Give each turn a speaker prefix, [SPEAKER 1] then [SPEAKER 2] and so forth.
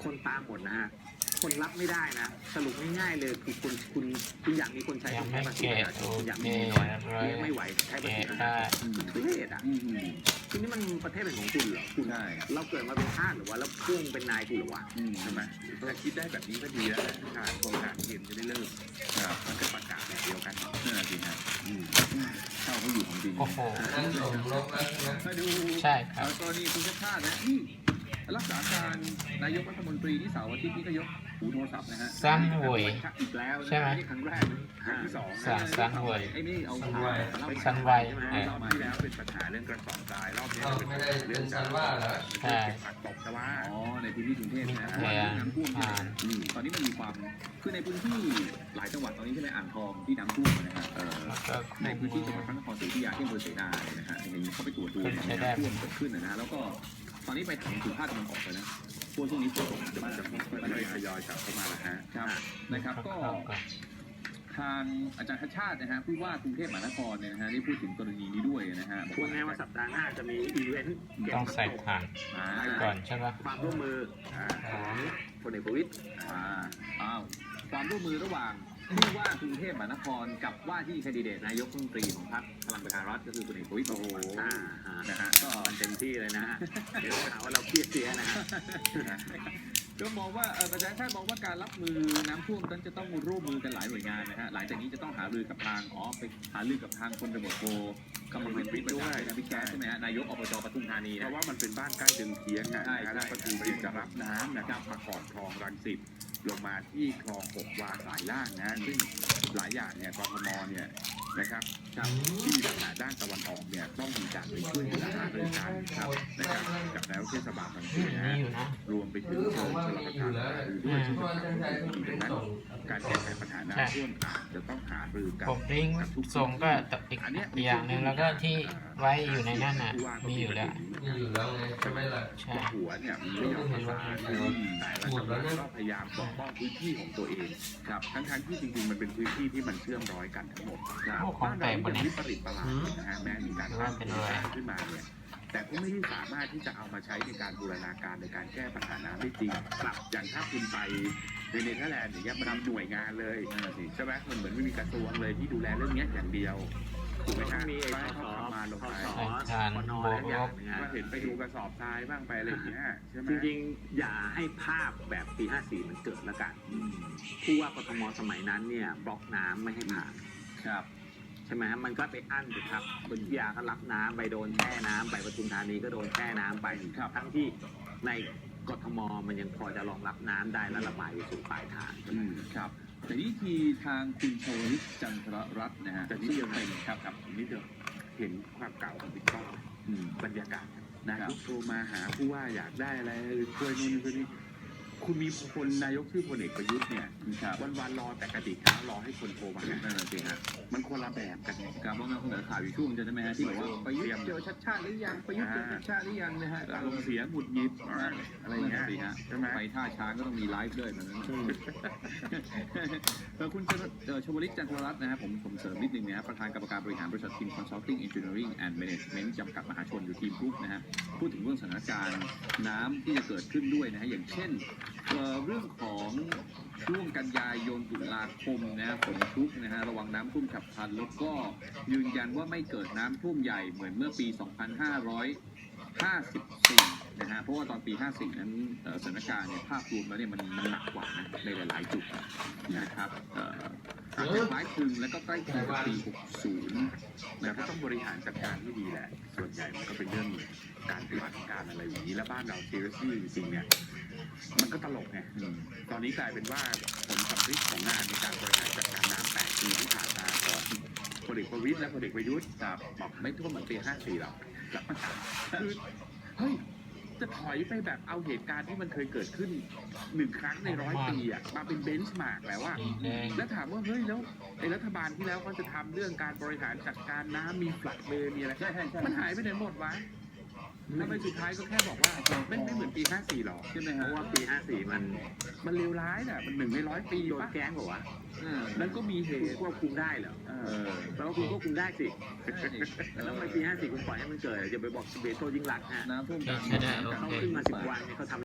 [SPEAKER 1] คนตามหมดนะฮะคนรับไม่ได้นะสรุปง่ายๆเลยคือคุณอยากมีคนใช้คุณใช้ภาษีประชาชนคุณอยากมีน้อยเลี้ยงไม่ไหวใช้ภาษีประชาชนทุเรศอ่ะทีนี้มันประเทศเป็นของคุณเหรอคุณเราเกิดมาเป็นทาสหรือว่าเราพุ่งเป็นนายคุณหรือวะ
[SPEAKER 2] ใช่ไหมถ้าคิดได้แบบนี้ก็ดีแล้วทางโครงการเกณฑ์จะได้เลิกมันก็ประกาศแบบเดียวกันนั่นแหละสิครับเข้าเขาอยู่ของจริง
[SPEAKER 3] โอ้โห
[SPEAKER 2] มาดู
[SPEAKER 3] ใช่ครับ
[SPEAKER 2] กรณีคุณชาติชาตินะนี่รักษาการนายกรัฐมนตรีที่เสาร์อาทิตย์นี้ก็ยกหูโทรศัพท์นะฮะ
[SPEAKER 3] สร้างหวย
[SPEAKER 2] อีกแล้ว
[SPEAKER 3] ใช่ไหม
[SPEAKER 2] ครั้งแรกครั้งที่สอง
[SPEAKER 3] สร้างหวย
[SPEAKER 2] ไอ้นี่เอา
[SPEAKER 3] สันไว
[SPEAKER 2] รอบที่แล้วเป็นปัญหาเรื่องกระสอบทรายรอบนี้เป็นเรื่องการว่าใช่ผักตกแต่ว่าในพื้นที่กรุงเทพนะน้ำท่วมตอนนี้มันมีความคือในพื้นที่หลายจังหวัดตอนนี้ใช่ไหมอ่างทองที่น้ำท่วมนะฮะในพื้นที่จังหวัดพระนครศรีอยุธยาที่อำเภอเสนานะฮะอย่างนี้เขาไปตรวจดูน้ำท่วมเกิดขึ้นนะฮะแล้วก็ตอนนี้ไปถึงภาคตะวันออกเลยนะช่วงนี้ฝนตกจะค่อยๆทยอยกลับเข้ามาแล้วฮะครับนะครับก็ทางอาจารย์ชาตินะฮะผู้ว่ากรุงเทพมหานครเนี่ยนะฮะได้พูดถึงกรณีนี้ด้วยนะฮะ
[SPEAKER 1] พูดง่ายว่าสัปดาห์หน้าจะมีอีเวนต์
[SPEAKER 3] ต้องใส่ผ่านก่อนใช่ปะ
[SPEAKER 1] ความร่วมมือของพลเอกประวิตร
[SPEAKER 2] ความร่วมมือระหว่างผู้ว่ากรุงเทพมหานครกับว่าที่แคนดิเดตนายกรัฐมนตรีของพรรคพลังประชารัฐก็คือพลเอกประวิตร
[SPEAKER 1] นะฮะก็มันเต็มที่เลยนะฮะเดี๋ยวหาว่าเราเครียดเสียนะฮะ
[SPEAKER 2] ก็มองว่าประชาชาติมองว่าการรับมือน้ำท่วมนั้นจะต้องร่วมมือกันหลายหน่วยงานนะฮะหลังจากนี้จะต้องหารือกับทางไปหารือกับทางพลตำรวจโทกมลวิทย์ด้วยนะพี่แก๊สใช่ไหมฮะนายกอบจปทุมธานีเพราะว่ามันเป็นบ้านใกล้ดึงเทียงนะแล้วก็คือจะรับน้ำนะครับมาก่อนคลองรังสิตลงมาที่คลอง6 วาสายล่างนะซึ่งหลายอย่างเนี่ยกทมเนี่ยนะครับที่มีปัญหาด้านตะวันออกเนี่ยต้องมีการไปช่วยเหลือหารือกันครับนะครับกับนายกเทศบาลบางทีนะรวมไปถึงเชิญชลประทานด้วยซึ่งดังนั้นการแก้ไขปัญหาน้ำท่วมอาจจะต้องหารือกัน
[SPEAKER 3] ผมลิงก์ส่งก็อีกอย่างหนึ่งแล้วก็ที่ไว้อยู่ในนั่นน่ะมีอยู่แล้ว
[SPEAKER 2] ใช่ไหมล่ะหัวเนี่ยไม่ยอมประสานแต่ละจังหวัดก็พยายามปกป้องพื้นที่ของตัวเองครับทั้งที่จริงๆมันเป็นพื้นที่ที่มันเชื่อมร้อยกันทั้งหมดบ้านเราเป็นวิปริตประหลาดนะฮะแม้มีการสร้างขึ้นมาเนี่ยแต่ก็ไม่ได้สามารถที่จะเอามาใช้ในการบูรณาการในการแก้ปัญหาน้ำได้จริงครับอย่างถ้าคุณไปในเนเธอร์แลนด์อย่างเงี้ยมันทำหน่วยงานเลยใช่ไหมมันเหมือนไม่มีกระทรวงเลยที่ดูแลเรื่องนี้อย่างเดียวถูกไหมครับ
[SPEAKER 1] มี
[SPEAKER 2] ให้เขาทำมาลงไปก็เห็นไปดูกระสอบทรายบ้างไปอะไรอย่างเงี้ยใช่ไหม
[SPEAKER 1] จริงๆอย่าให้ภาพแบบปี54มันเกิดแล้วกันผู้ว่ากทมสมัยนั้นเนี่ยบล็อกน้ำไม่ให้ผ่าน
[SPEAKER 2] ครับ
[SPEAKER 1] ใช่ไหมมันก็ไปอั้นอยู่ครับบนยาก็รับน้ำไปโดนแช่น้ำไปปทุมธานีก็โดนแช่น้ำไปทั้งที่ในกทมมันยังพอจะรองรับน้ำได้และระบายไปสู่ปลายทาง
[SPEAKER 2] ครับแต่นี่ทีทางคุณชวลิตจันทรรัตน์นะฮะแต่นี่ยังเป็นครับนี่เดี๋ยวเห็นความเก่าของบิ๊กป้อมบรรยากาศนะครับโทรมาหาผู้ว่าอยากได้อะไรช่วยนู่นช่วยนี่คุณมีคนนายกชื่อพลเอกประยุทธ์เนี่ยวันรอแต่กระดิกเท้ารอให้คนโทรมานั่นแหละสิฮะมันคนละแบบกันครับว่างั้นคุณข่าวอยู่ช่วงจะได้ไหมฮะที่บอกว่าประยุทธ์เจอชัดชาติหรือยังประยุทธ์เจอชัดชาติหรือยังนะฮะอารมณ์เสียหงุดหงิดอะไรอย่างเงี้ยสิฮะไปท่าช้างก็ต้องมีไลฟ์ด้วยมันนั้นคุณชวลิตจันทรรัตน์นะครับผมเสริมนิดนึงนะประธานกรรมการบริหารบริษัท Team Consulting Engineering and Management จำกัดมหาชนอยู่ทีมกรุ๊ปนะฮะพูดถึงเรื่องสถานการณ์น้ำที่จะเกิดขึ้นด้วยนะฮะอย่างเช่นเรื่องของช่วงกันยายนตุลาคมนะฝนชุกนะฮะระวังน้ำท่วมฉับพลันแล้วก็ยืนยันว่าไม่เกิดน้ำท่วมใหญ่เหมือนเมื่อปี 2554 นะฮะเพราะว่าตอนปี 54 นั้นสถานการณ์เนี่ยภาพรวมแล้วเนี่ยมันหนักกว่านะในหลายๆจุดนะครับคล้ายคลึงแล้วก็ใกล้เคียงกับปี 60 นะครับต้องบริหารจัดการที่ดีแหละส่วนใหญ่มันก็เป็นเรื่องการปฏิบัติการอะไรอย่างนี้และบ้านเราซีเรียสจริงๆเนี่ยมันก็ตลกไงตอนนี้กลายเป็นว่าผลสำลิดของงานในการบริหารจัดการน้ำ8 ปีที่ผ่านมาของพลเอกประวิตรและพลเอกประยุทธ์บอกไม่ท่วมเหมือนปี 54 หรอกคือเฮ้ยจะถอยไปแบบเอาเหตุการณ์ที่มันเคยเกิดขึ้น1 ครั้งใน100 ปีอ่ะมาเป็นเบนช์มาร์กแล้วว่าแล้วถามว่าเฮ้ยแล้วไอ้รัฐบาลที่แล้วเขาจะทำเรื่องการบริหารจัดการน้ำมีฟลัดเบย์มีอะไรมันหายไปไหนหมดวะทำไมสุดท้ายก็แค่บอกว่าไม่เหมือนปี 54 หรอกใช่ไหมฮะเพราะว่าปี 54 มันเลวร้ายน่ะมัน1 ใน 100 ปีโดนแกล้งเหรอวะนั่นก็มีเหตุควบคุมได้เหรอแปลว่าคุณควบคุมได้สิแล้วทำไมปี 54 คุณปล่อยให้มันเกิดอย่าไปบอกเบโซยิ่งหลักฮะ
[SPEAKER 3] น้ำท่วม
[SPEAKER 1] เขาขึ้นมา10 วันเขาทำ